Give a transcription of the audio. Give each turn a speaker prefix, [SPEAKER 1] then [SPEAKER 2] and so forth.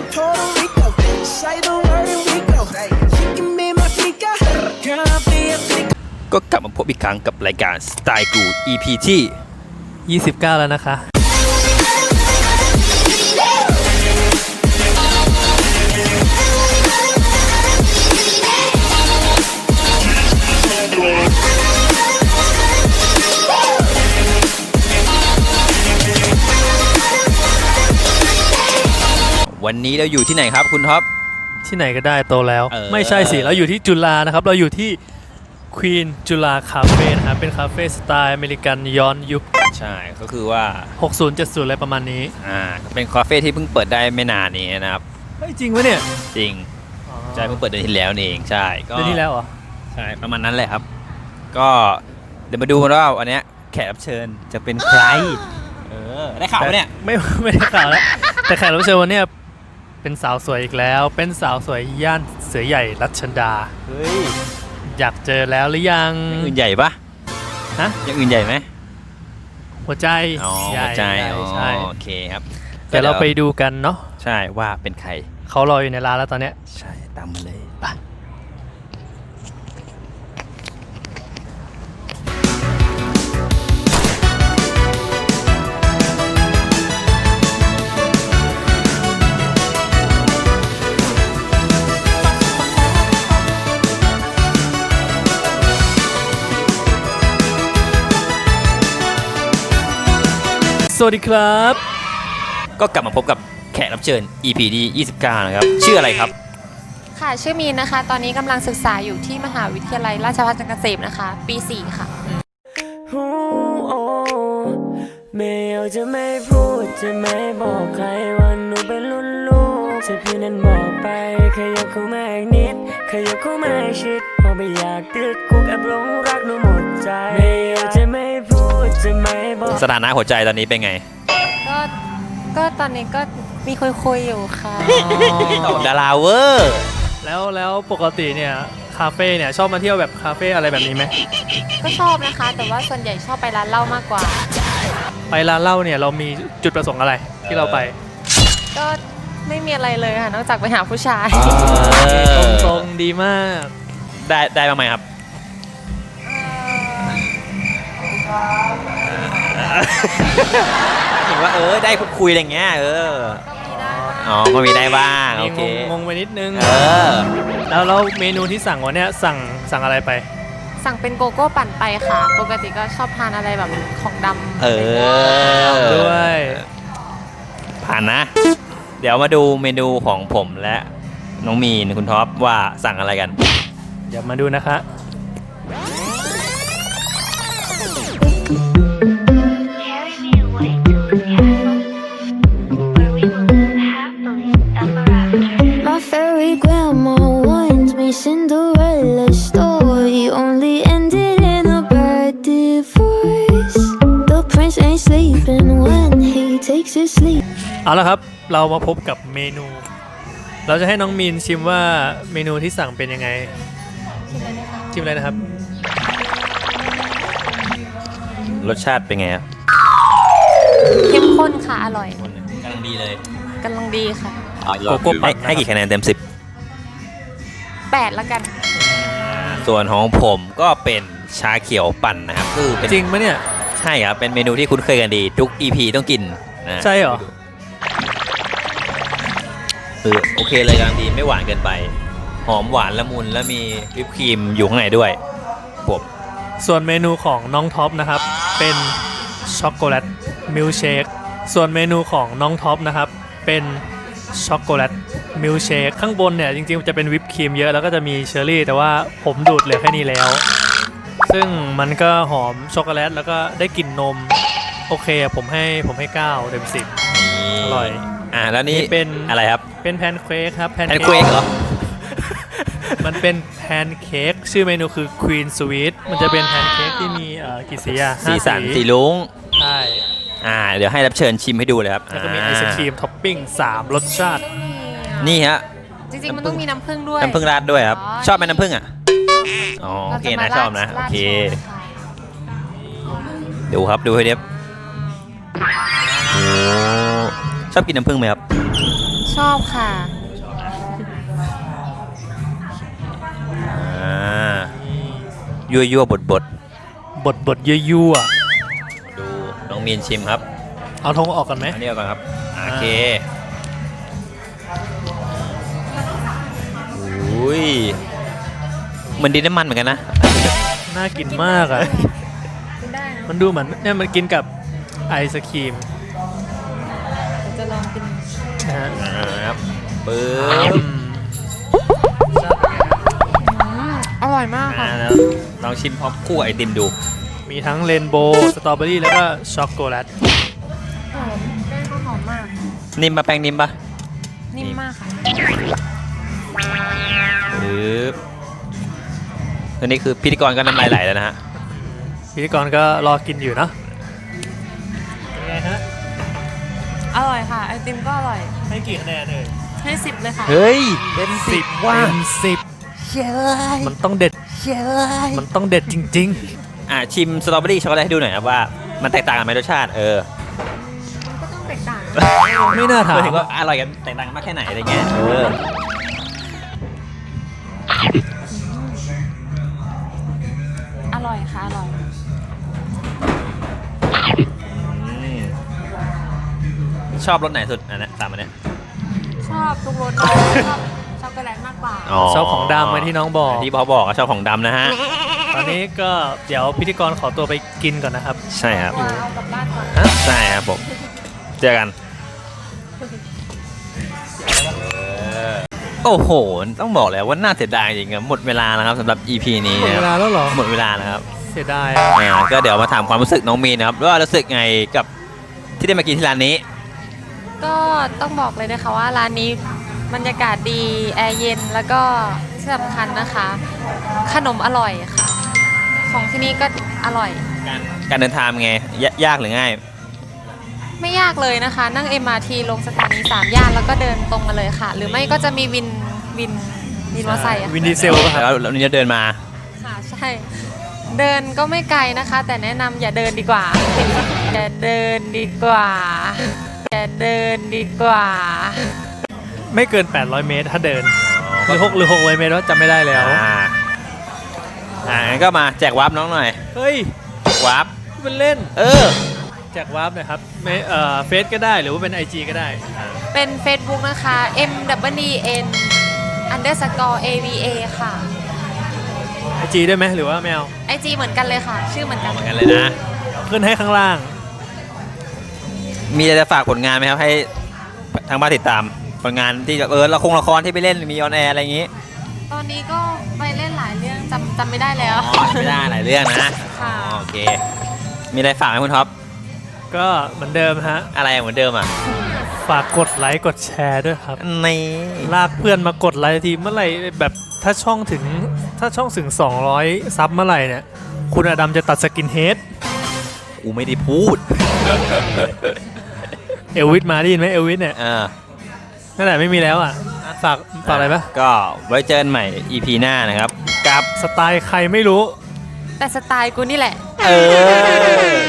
[SPEAKER 1] from Puerto Rico. Say the word and we go. You can be my flica. Girl, I'll be a flica.
[SPEAKER 2] ก็กลับมาพบอีกครั้งกับรายการสไตล์กู EP ที่
[SPEAKER 3] 29 แล้วนะคะ
[SPEAKER 2] วันนี้เราอยู่ที่ไหนครับคุณท็อป
[SPEAKER 3] ที่ไหนก็ได้โตแล้ว
[SPEAKER 2] เออ
[SPEAKER 3] ไม่ใช่สิเราอยู่ที่จุฬานะครับเราอยู่ที่ควีนจุฬาคาเฟ่นะครับเป็นคาเฟ่สไตล์อเมริกันย้อนยุค
[SPEAKER 2] ใช่ก็คือว่า
[SPEAKER 3] 60 70อะไรประมาณนี้
[SPEAKER 2] เป็นคาเฟ่ที่เพิ่งเปิดได้ไม่นานนี้นะครับ
[SPEAKER 3] เฮ้ยจริงวะเนี่ย
[SPEAKER 2] จริงใช่เพิ่งเปิดเดือนที่แล้วนี่เองใช่ก็
[SPEAKER 3] เดือนที่แล้วเหรอ
[SPEAKER 2] ใช่ประมาณนั้นแหละครับ ก็เดี๋ยวมาดูกันว่าวันนี้แขกรับเชิญจะเป็นใครได้ข่าวปะเนี่ย
[SPEAKER 3] ไม่ได้ข่าวแล้วแต่แขกรับเชิญวันเนี้ยเป็นสาวสวยอีกแล้ว เป็นสาวสวยย่านเสือใหญ่รัชดา
[SPEAKER 2] เฮ้ย
[SPEAKER 3] อยากเจอแล้วหรือยัง
[SPEAKER 2] อย่างอื่นใหญ่ปะ
[SPEAKER 3] ฮะ
[SPEAKER 2] อย่างอื่นใหญ่ไหม
[SPEAKER 3] หัวใจ
[SPEAKER 2] อ๋อ
[SPEAKER 3] ใหญ่
[SPEAKER 2] หัวใจ
[SPEAKER 3] ใช่
[SPEAKER 2] โอเคครับ
[SPEAKER 3] เดี๋ยวเราไปดูกันเนาะ
[SPEAKER 2] ใช่ว่าเป็นใคร
[SPEAKER 3] เขารออยู่ในร้านแล้วตอนเนี้ย
[SPEAKER 2] ใช่ตามมาเลยไป
[SPEAKER 3] สวัสดีครับ
[SPEAKER 2] ก็กลับมาพบกับแขกรับเชิญ EP ที่29นะครับชื่ออะไรครับ
[SPEAKER 4] ค่ะชื่อมีนนะคะ ตอนนี้กำลังศึกษาอยู่ที่มหาวิทยาลัยราชภัฏจันทร์เกษมนะคะ ปี 4 ค่ะ
[SPEAKER 5] ไม่อยากจะไม่พูดจะไม่บอกใครว่าหนูเป็นรุ่นลูกจะพี่นั้นบอกไปขยับเข้ามาอีกนิดขยับเข้ามาชิดพอไม่อยากติดคุกแอบหลงรักหนูหมดใจไม่อยากจะไม่พูดจะไม่บอก
[SPEAKER 2] สถานะหัวใจตอนนี้เป็นไง
[SPEAKER 4] ก็ตอนนี้ก็มีคุยอยู่ค่ะ
[SPEAKER 2] ดาราเวอร์
[SPEAKER 3] แล้วปกติเนี่ยคาเฟ่เนี่ยชอบมาเที่ยวแบบคาเฟ่อะไรแบบนี้ไหม
[SPEAKER 4] ก็ชอบนะคะ แต่ว่าส่วนใหญ่ชอบไปร้านเหล้ามากกว่า
[SPEAKER 3] ไปร้านเหล้าเนี่ยเรามีจุดประสงค์อะไรที่เราไป
[SPEAKER 4] ก็ไม่มีอะไรเลยค่ะ นอกจากไปหาผู้ชาย
[SPEAKER 3] ตรงๆดีมาก
[SPEAKER 2] ได้บ้างไหมครับ เห็นว่าได้พูดคุยอะไรเงี้ยอ๋อก็มีได้บ้างโอเค
[SPEAKER 3] งงไปนิดนึง
[SPEAKER 2] เออ
[SPEAKER 3] แล้วเมนูที่สั่งวันเนี้ยสั่งอะไรไป
[SPEAKER 4] สั่งเป็นโกโก้ปั่นไปค่ะ ปกติก็ชอบทานอะไรแบบของดำ
[SPEAKER 3] ด้วย
[SPEAKER 2] ผ่านนะ เดี๋ยวมาดูเมนูของผมและน้องมีนคุณท็อปว่าสั่งอะไรกัน
[SPEAKER 3] เดี๋ยวมาดูนะคะ
[SPEAKER 6] Carry me away to the castle, where we will live happily ever after.
[SPEAKER 7] My fairy grandma warned me Cinderella's story only ended in a bad divorce. The prince ain't sleeping when he takes his sleep.
[SPEAKER 3] เอาละครับเรามาพบกับเมนู เราจะให้น้องมีนชิมว่าเมนูที่สั่งเป็นยังไงชิมเลยนะครับ
[SPEAKER 2] รสชาติเป็นไงครับ
[SPEAKER 4] เข้มข้นค่ะ อร่อย
[SPEAKER 2] กำลังดีเลย
[SPEAKER 4] กำลังดีค่ะ
[SPEAKER 3] โกโก้ปั่น
[SPEAKER 2] ให้กี่คะแนนเต็ม
[SPEAKER 4] 8 แล้วกัน
[SPEAKER 2] 10 ส่วนของผมก็เป็นชาเขียวปั่นนะครับคือเป็น
[SPEAKER 3] จริงปะเนี่ย
[SPEAKER 2] ใช่ครับเป็นเมนูที่คุ้นเคยกันดีทุก EP ต้องกินนะ
[SPEAKER 3] ใช่เหรอ
[SPEAKER 2] โอเคเลยกำลังดีไม่หวานเกินไป หอมหวานละมุนแล้วมีวิปครีมอยู่ข้างในด้วยผม
[SPEAKER 3] ส่วนเมนูของน้องท็อปนะครับเป็นช็อกโกแลตมิลค์เชคส่วนเมนูของน้องท็อปนะครับเป็นช็อกโกแลตมิลค์เชคข้างบนเนี่ยจริงๆจะเป็นวิปครีมเยอะแล้วก็จะมีเชอร์รี่แต่ว่าผมดูดเหลือแค่นี้แล้ว ซึ่งมันก็หอมช็อกโกแลตแล้วก็ได้กลิ่นนมโอเคผมให้9เต็ม10 อร่อย
[SPEAKER 2] แล้วนี่
[SPEAKER 3] เป็น
[SPEAKER 2] อะไรครับ
[SPEAKER 3] เป็นแพนเค้กครับ
[SPEAKER 2] แพนเค้กเหรอ
[SPEAKER 3] มันเป็นแพนเค้กชื่อเมนูคือ Queen Sweet มันจะเป็นแพนเค้กที่มีกี่สีอะ
[SPEAKER 2] สีสัน
[SPEAKER 3] 5
[SPEAKER 2] สีลุ้ง
[SPEAKER 3] ใช่
[SPEAKER 2] เดี๋ยวให้รับเชิญชิมให้ดูเลยครับ
[SPEAKER 3] แล้วก็มีไอศครีมท็อปปิ้ง3รสชาติ
[SPEAKER 2] นี่ฮะ
[SPEAKER 4] จริงๆ มันต้องมีน้ำผึ้งด้วย
[SPEAKER 2] น้ำผึ้งราดด้วยครับ
[SPEAKER 4] อ๋อ
[SPEAKER 2] ชอบไหมน้ำผึ้งอ่ะอ๋อโอ
[SPEAKER 4] เรา
[SPEAKER 2] เค
[SPEAKER 4] จะมา
[SPEAKER 2] นะชอบนะ
[SPEAKER 4] ราด
[SPEAKER 2] โอเค
[SPEAKER 4] โชว์ค่ะ
[SPEAKER 2] ดูครับดูให้เรียบโอ้ชอบกินน้ำผึ้งไหมครับ
[SPEAKER 4] ชอบค่ะ
[SPEAKER 2] ยั่วบด
[SPEAKER 3] บดยั่ว
[SPEAKER 2] ดูน้องมีนชิมครับ
[SPEAKER 3] ๆเอาธงออกกันไหม
[SPEAKER 2] อันนี้เอาก่อนครับโอเคอุ้ยเหมือนดินน้ำมันเหมือนกันนะ
[SPEAKER 3] น่ากินมากอ่ะ
[SPEAKER 4] ได้นะ
[SPEAKER 3] มันดูเหมือนเนี่ยมันกินกับไอศครีม
[SPEAKER 4] จะลองกิน
[SPEAKER 3] นะฮะ
[SPEAKER 2] ครับปึ๊บ
[SPEAKER 4] อร่อยมากค่ะ
[SPEAKER 2] แล้วลองชิมพร้อมคู่กับไอติมดู
[SPEAKER 3] มีทั้งเรนโบว์สตรอเบอรี่แล้วก็ช็อกโกแลต
[SPEAKER 4] หอมแป้งก็หอมมาก
[SPEAKER 2] นิ่มปะแป้งนิ่มปะ
[SPEAKER 4] นิ่มมากค่ะ
[SPEAKER 2] ปึ๊บตัวนี้คือพิธีกรก็น้ำลายไหลแล้วนะฮะ
[SPEAKER 3] พิธีกรก็รอกินอยู่เนาะเป็นไงฮะ
[SPEAKER 4] อร่อยค่ะ ไอติมก็อร่อย
[SPEAKER 3] ให้กี่คะแนนเลย
[SPEAKER 4] ให้10เลยค่ะ
[SPEAKER 2] เฮ้ยเป็น10ว่า
[SPEAKER 3] เต็ม10มันต้องเด็ดมันต้องเด็ดจริง
[SPEAKER 2] ชิมสตรอเบอรี่ช็อกโกแลตให้ดูหน่อยครับว่ามันแตกต่างกันไหมรสชาติ
[SPEAKER 4] มันก็ต้องแตกต่าง
[SPEAKER 3] ๆ ไม่น่าถาม
[SPEAKER 2] หมายถึงว่าอร่อยกันแตกต่างกันมากแค่ไหนอะไรเงี้ย
[SPEAKER 4] อร่อยค่ะ อร่อย
[SPEAKER 2] ชอบรสไหนสุดอันนี้ตามอันเนี้ย
[SPEAKER 4] ชอบทุกรสชอบช็อกโกแลตมากกว่า
[SPEAKER 3] ชอบของดำเหมือนที่น้องบอก
[SPEAKER 2] ที่เขาบอกว่าชอบของดำนะฮะ
[SPEAKER 3] ตอนนี้ก็เดี๋ยวพิธีกรขอตัวไปกินก่อนนะครับ
[SPEAKER 2] ใช่ครับ
[SPEAKER 4] เอากลับบ้านก่อน
[SPEAKER 2] ใช่ครับผมเจอกันโอ้โหต้องบอกเลยว่าน่าเสียดายจริงๆหมดเวลาแล้วครับสำหรับ EP นี้
[SPEAKER 3] หมด
[SPEAKER 2] นะ
[SPEAKER 3] เว
[SPEAKER 2] ค
[SPEAKER 3] ลา
[SPEAKER 2] รับ
[SPEAKER 3] แล้วเหรอ
[SPEAKER 2] หมดเวลาแล้วครับ
[SPEAKER 3] เสียดาย
[SPEAKER 2] ก็เดี๋ยวมาถามความรู้สึกน้องมีนนะครับว่ารู้สึกไงกับที่ได้มากินที่ร้านนี้
[SPEAKER 4] ก็ต้องบอกเลยนะคะว่าร้านนี้บรรยากาศดี แอร์เย็น แล้วก็ที่สำคัญนะคะ ขนมอร่อยค่ะ ของที่นี่ก็อร่อย
[SPEAKER 2] การเดินทางเป็นไงยากหรือง่าย
[SPEAKER 4] ไม่ยากเลยนะคะ นั่ง MRT ลงสถานี3 ย่านแล้วก็เดินตรงมาเลยค่ะ หรือไม่ก็จะมีวินมอเตอร์ไซค์อะ
[SPEAKER 3] วินดีเซลป่ะครับ
[SPEAKER 2] แล้วนี่จะเดินมา
[SPEAKER 4] ค่ะใช่ เดินก็ไม่ไกลนะคะ แต่แนะนำอย่าเดินดีกว่า อย่าเดินดีกว่า อย่าเดินดีกว่า
[SPEAKER 3] ไม่เกิน 800 เมตรถ้าเดิน หรือ600 เมตรว่าจำไม่ได้แล้ว
[SPEAKER 2] งั้นก็มาแจกวาร์ปน้องหน่อย
[SPEAKER 3] เฮ้ย
[SPEAKER 2] วาร์ป
[SPEAKER 3] มันเล่น
[SPEAKER 2] อ
[SPEAKER 3] แจกวาร์ปหนะครับไม่เฟซก็ได้หรือว่าเป็น IG ก็ได้
[SPEAKER 4] เป็น Facebook นะคะ MWN_AVA ค่ะ
[SPEAKER 3] IG ได้ไหมหรือว่าแมว
[SPEAKER 4] IG เหมือนกันเลยค่ะ ชื่อเหมือนกัน
[SPEAKER 2] เหมือนกันเลยนะ
[SPEAKER 3] ขึ้นให้ข้างล่าง
[SPEAKER 2] มีอะไรจะฝากผลงานไหมครับให้ทางบ้านติดตามผลงานที่ละครที่ไปเล่นมีออนแอร์อะไรอย่างงี้
[SPEAKER 4] ตอนนี้ก็ไปเล่นหลายเรื่องจำไม่ได้แล้ว
[SPEAKER 2] ไม่ได้หลายเรื่องนะ
[SPEAKER 4] ค่ะ
[SPEAKER 2] โอเค มีอะไรฝากไหมคุณท็อป
[SPEAKER 3] ก็เหมือนเดิมฮะ
[SPEAKER 2] อะไรเหมือนเดิมอ่ะ
[SPEAKER 3] ฝากกดไลค์กดแชร์ด้วยครับ
[SPEAKER 2] นี่
[SPEAKER 3] ลากเพื่อนมากดไลค์ทีเมื่อไหร่แบบถ้าช่องถึง200ซับเมื่อไหร่เนี่ยคุณอดัมจะตัดสกินเฮด
[SPEAKER 2] กูไม่ได้พูด
[SPEAKER 3] เอลวิสมาได้ยินไหมเอลวิสเนี่ย นั่นแหละไม่มีแล้วอ่ะฝากอะไรปะ
[SPEAKER 2] ก็ไว้เจอกันใหม่ EP หน้านะครับ กับ
[SPEAKER 3] สไตล์ใครไม่รู้
[SPEAKER 4] แต่สไตล์กูนี่แหละ
[SPEAKER 2] เออ